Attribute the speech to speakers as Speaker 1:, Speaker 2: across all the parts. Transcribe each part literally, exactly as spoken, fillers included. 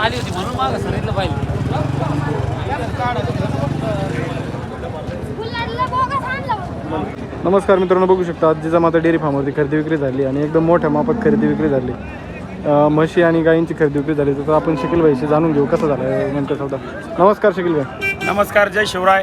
Speaker 1: आली होती म्हणून मागं सांगितलं पाहिजे.
Speaker 2: नमस्कार मित्रांनो, बघू शकता आज जिजामाता डेअरी फार्मवरती खरेदी विक्री झाली आणि एकदम मोठ्या मापात खरेदी विक्री झाली. म्हशी आणि गायींची खरेदी विक्री झाली. तर आपण शकील भाईशी जाणून घेऊ कसं झालं नेमकं सौदा. नमस्कार शकील भाई.
Speaker 3: नमस्कार, जय शिवराय.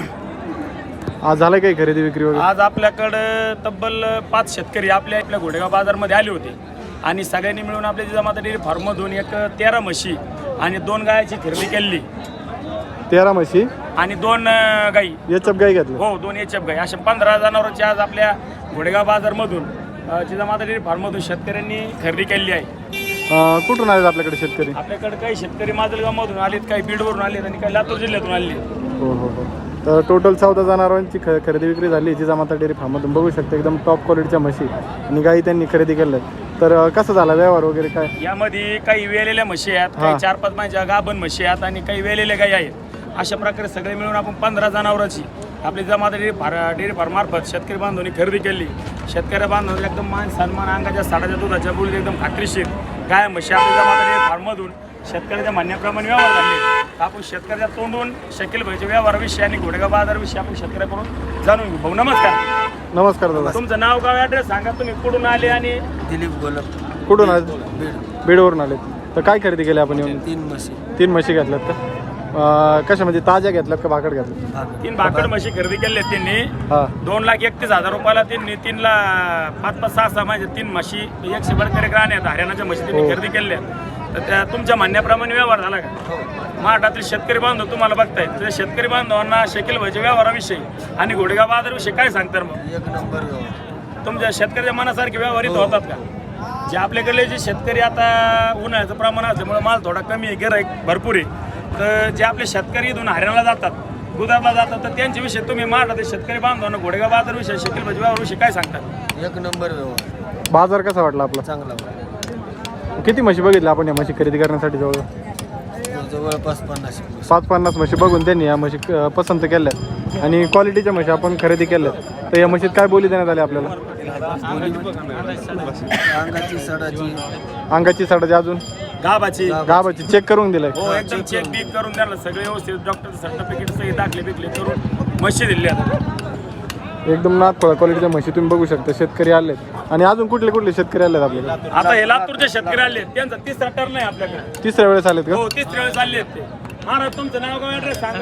Speaker 2: आज झालं काही खरेदी विक्री वगैरे?
Speaker 3: आज आपल्याकडं तब्बल पाच शेतकरी आपल्या आपल्या घोडेगाव बाजारमध्ये आले होते आणि सगळ्यांनी मिळून आपल्या जिजामाता डेअरी फार्ममधून एक तेरा म्हशी आणि दोन गायाची खरेदी केली.
Speaker 2: तेरा म्हशी
Speaker 3: आणि दोन गाई,
Speaker 2: एच एफ गाई घेतली.
Speaker 3: हो, दोन एच एफ गाई, अशा पंधरा जनावरांची आज आपल्या घोडेगाव बाजारमधून जिजामाता डेअरी फार्ममधून शेतकऱ्यांनी खरेदी केली आहे.
Speaker 2: कुठून आले आपल्याकडे शेतकरी?
Speaker 3: आपल्याकडे काही शेतकरी माजलगावमधून आलेत, काही बीडवरून आलेत आणि काही लातूर जिल्ह्यातून आले.
Speaker 2: हो हो हो. तर टोटल चौदा जनावरांची ख खरेदी विक्री झाली जिजामाता डेअरी फार्ममधून. बघू शकता एकदम टॉप क्वालिटीच्या म्हशी आणि गाई त्यांनी खरेदी केल्या. तर कसं झाला व्यवहार वगैरे काय?
Speaker 3: यामध्ये काही वेलेल्या म्हशी आहेत, काही चार पाच महिन्याच्या गाभण म्हशी आहेत आणि काही वेलेल्या गाई आहेत. अशा प्रकारे सगळे मिळून आपण पंधरा जनावरांची आपली जिजामाता डेअरी फार डेअरी फार्ममार्फत शेतकरी बांधवांनी खरेदी केली. शेतकरी बांधवांनी एकदम मान सन्मान, अंगाच्या साडाच्या दुधाच्या बोलीत एकदम खात्रीशीर गाय म्हशी आपल्या जिजामाता डेअरी फार्ममधून शेतकऱ्याच्या म्हणण्याप्रमाणे व्यवहार झाले. आपण शेतकऱ्याच्या तोंडून शकील भाईच्या व्यवहाराविषयी आणि घोडेगाव बाजाराविषयी आपण शेतकऱ्याकडून जाणून घेऊ. भाऊ नमस्कार.
Speaker 2: नमस्कार दादा.
Speaker 3: तुमचं नाव, गाव, ॲड्रेस सांगा. तुम्ही कुठून आले? आणि
Speaker 4: दिलीप गोलप.
Speaker 2: कुठून आले? बीडवरून आले. तर काय खरेदी केली आपण येऊन?
Speaker 4: तीन म्हशी.
Speaker 2: तीन म्हशी घेतल्यात का? कशा म्हणजे ताज्या घेतल्यात का भाकड घेतल्यात?
Speaker 3: तीन भाकड म्हशी खरेदी केल्या त्यांनी.
Speaker 2: हा.
Speaker 3: दोन लाख एकतीस हजार रुपयाला त्यांनी तीन ला पाच पाच सहा सहा म्हणजे तीन म्हशी एकशे बडकरी राहणे आहेत हरियाणाच्या म्हशी त्यांनी खरेदी केल्या. तर त्या तुमच्या म्हणण्याप्रमाणे व्यवहार झाला का? महाराष्ट्रातील शेतकरी बांधव तुम्हाला बघतायत, त्या शेतकरी बांधवांना शकील भाईच्या व्यवहाराविषयी आणि घोडेगाव बाजाराविषयी काय सांगतात? मग
Speaker 4: एक नंबर व्यवहार.
Speaker 3: तुमच्या शेतकऱ्याच्या मनासारखे व्यवहारित होतात का? जे आपल्याकडले जे शेतकरी आता उन्हाळ्याचं प्रमाण असल्यामुळे माल थोडा कमी आहे, गिराईक भरपूर आहे. तर जे आपले शेतकरी इथून हरियाणाला जातात, गुजरातला जातात, तर त्यांच्याविषयी तुम्ही महाराष्ट्रातील शेतकरी बांधवांना घोडेगाव बाजाराविषयी शकील भाईच्या व्यवहाराविषयी काय सांगतात?
Speaker 4: एक नंबर व्यवहार.
Speaker 2: बाजार कसा वाटला आपला?
Speaker 4: चांगला वाटला.
Speaker 2: किती म्हशी बघितल्या आपण या म्हशी खरेदी करण्यासाठी? जवळ
Speaker 4: जवळपास पन्नास
Speaker 2: पाच पन्नास म्हशी बघून त्यांनी या म्हशी अ, पसंत केल्या आणि क्वालिटीच्या म्हशी आपण खरेदी केल्या. तर या म्हशीत काय बोली देण्यात आली आपल्याला?
Speaker 4: अंगाची सडाची
Speaker 2: अंगाची साडाची, अजून
Speaker 3: गाबाची
Speaker 2: गाबाची चेक करून दिलाय.
Speaker 3: हो, एकदम चेक बीक करून द्यायला सगळे व्यवस्थित डॉक्टर सर्टिफिकेट सगळे दाखले बिकले करून म्हशी दिली.
Speaker 2: एकदम नाथफळ क्वालिटीच्या म्हशी तुम्ही बघू शकता. शेतकरी आले आणि अजून कुठले कुठले शेतकरी आलेत आपल्याकडे?
Speaker 3: आता हे लातूरचे शेतकरी आले, त्यांचा तिसरा टर्न आहे आपल्याकडे.
Speaker 2: तिसऱ्या वेळेस आलेत का?
Speaker 3: हो, तिसऱ्या वेळेस आले ते. महाराज तुमचं नाव, गाव, ॲड्रेस सांगा.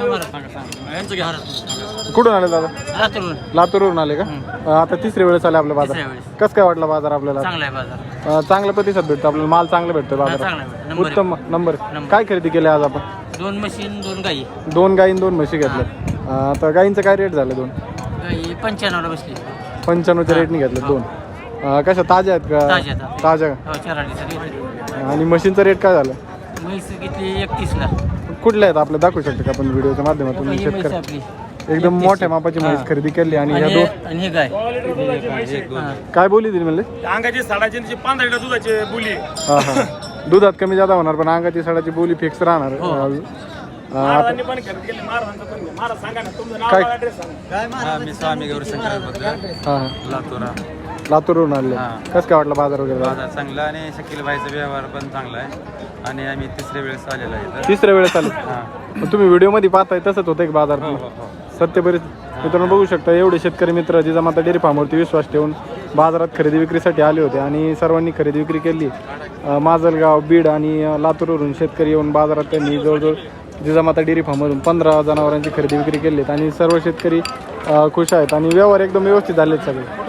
Speaker 2: कुठून आले दादा? लातूरवरून आले का? आता तिसऱ्या वेळेस आले आपल्या बाजार. कसं काय वाटलं बाजार आपल्याला? अं, चांगला प्रतिसाद भेटतो आपल्याला, माल चांगला भेटतो बाजारात. उत्तम नंबर. काय खरेदी केली आज आपण?
Speaker 1: दोन मशीन दोन गाई.
Speaker 2: दोन गाई दोन म्हशी घेतल्या. आता गाईंचं काय रेट झालं? दोन
Speaker 1: गाई पंच्याण्णवला बसली.
Speaker 2: पंच्याण्णवच्या रेटने घेतलं दोन. अं, कशा ताज्या आहेत का?
Speaker 1: ताज्या आहेत.
Speaker 2: ताज्या.
Speaker 1: हो, चार अडीच.
Speaker 2: आणि म्हशींचा रेट काय झालं?
Speaker 1: म्हैस घेतली एकतीसला.
Speaker 2: कुठल्या आहेत आपल्या दाखवू शकतो का आपण व्हिडिओच्या माध्यमातून?
Speaker 1: ही म्हैस
Speaker 2: शेतकरी
Speaker 1: आपली
Speaker 2: एकदम मोठ्या मापाची म्हैस खरेदी केली आणि ह्या
Speaker 1: आणि
Speaker 2: दोन
Speaker 1: हे- आणि हे गाय. हा.
Speaker 2: काय बोली दिली म्हणले?
Speaker 3: अंगाची साडाची आणि पांढऱ्या दुधाची बोली.
Speaker 2: हा हा. दुधात कमी जादा होणार पण अंगाची साडाची बोली फिक्स राहणार.
Speaker 1: हो.
Speaker 2: अं,
Speaker 3: महाराजांनी पण खरेदी केली. महाराजांचं पण घ्या. महाराज सांगा ना तुमचं नाव,
Speaker 2: काय?
Speaker 3: गाव, ॲड्रेस सांगा.
Speaker 4: मी स्वामी गौरशंकर बघा
Speaker 2: हा
Speaker 4: लातूरा.
Speaker 2: लातूरवरून आले. कसं काय वाटलं बाजार वगैरे?
Speaker 4: बाजार चांगला आणि शकील भाईचा व्यवहार पण चांगला आहे आणि आम्ही तिसऱ्या वेळेस आलेलो आहे.
Speaker 2: तिसऱ्या वेळेस आले. पण तुम्ही व्हिडिओ मध्ये पाहताय तसंच होतं एक बाजार सत्य बरेच मित्रांनो बघू शकता. एवढे शेतकरी मित्र जिजामाता डेअरी फार्मवरती विश्वास ठेवून बाजारात खरेदी विक्रीसाठी आले होते आणि सर्वांनी खरेदी विक्री केली. माजलगाव, बीड आणि लातूरवरून शेतकरी येऊन बाजारात त्यांनी जवळजवळ जिजामाता डेअरी फार्ममधून पंधरा जनावरांची खरेदी विक्री केली आणि सर्व शेतकरी खुश आहेत आणि व्यवहार एकदम व्यवस्थित झालेत सगळे.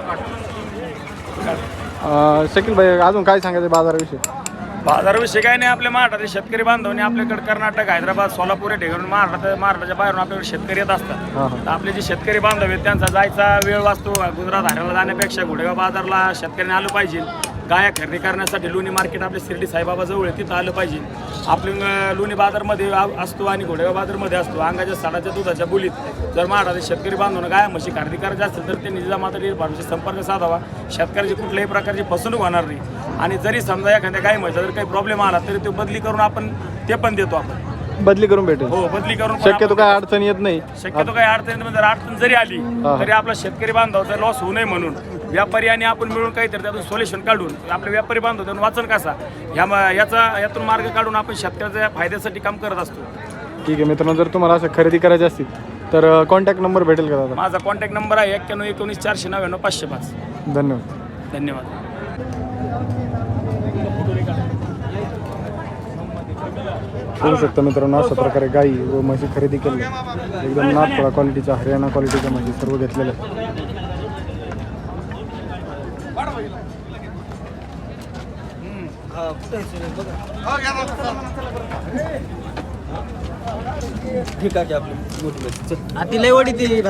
Speaker 2: शकील भाई अजून काय सांगायचं बाजाराविषयी?
Speaker 3: बाजाराविषयी काय नाही, आपल्या महाराष्ट्रातील शेतकरी बांधवांनी आपल्याकडे कर्नाटक, हैदराबाद, सोलापूर या ठिकाणी महाराष्ट्र महाराष्ट्राच्या बाहेरून आपल्याकडे शेतकरी येत असतात.
Speaker 2: हां
Speaker 3: तर आपले जे शेतकरी बांधव आहेत त्यांचा जायचा वेळ वाचतो. गुजरात हरियाणाला जाण्यापेक्षा घोडेगाव बाजारला शेतकऱ्यांनी आलं पाहिजे. गाया खरेदी करण्यासाठी लोणी मार्केट आपल्या शिर्डी साईबाबा जवळ आहे, तिथं आलं पाहिजे. आपले लोणी बाजारमध्ये असतो आणि घोडेगाव बाजारमध्ये असतो. अंगाच्या साडाच्या दुधाच्या बोलीत जर महाराष्ट्रातील शेतकरी बांधवांना गाया म्हशी खरेदी करायची असेल तर त्यांनी जिजामाता डेअरी फार्मशी संपर्क साधावा. शेतकऱ्याची कुठल्याही प्रकारची फसवणूक होणार नाही आणि जरी समजा एखाद्या गाय म्हशीचा जर काही प्रॉब्लेम आला तरी तो बदली करून आपण ते पण देतो. आपण
Speaker 2: बदली करून भेटेल.
Speaker 3: हो, बदली करून
Speaker 2: शक्यतो काय अडचण येत नाही.
Speaker 3: शक्यतो काही अडचण जर अडचण जरी आली तरी आपला शेतकरी बांधवाचा लॉस होऊ नये म्हणून व्यापारी आणि आपण मिळून काहीतरी त्यातून सोल्युशन काढून आपले व्यापारी बांधव त्यातून वाचन कसा ह्या म- याचा यातून मार्ग काढून आपण शेतकऱ्याच्या फायद्यासाठी काम करत असतो.
Speaker 2: ठीक आहे मित्रांनो, जर तुम्हाला असं खरेदी करायची असतील तर कॉन्टॅक्ट नंबर भेटेल का दादा?
Speaker 3: माझा कॉन्टॅक्ट नंबर आहे एक्क्याण्णव एकोणीस चारशे नव्याण्णव पाचशे पाच.
Speaker 2: धन्यवाद.
Speaker 3: धन्यवाद.
Speaker 2: बघू शकता मित्रांनो, अशा प्रकारे गाई व म्हशी खरेदी केली. एकदम नाथपळा क्वालिटीच्या, हरियाणा क्वालिटीच्या म्हशी सर्व घेतलेल्या आहेत.
Speaker 1: ती लय वडी ती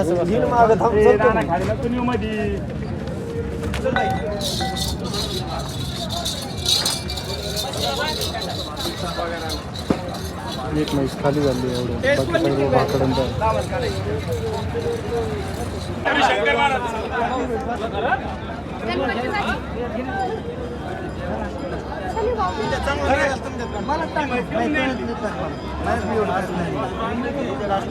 Speaker 2: एक म्हैस खाली झाली एवढं, बाकी सर्व भाकड्यांचं आहे.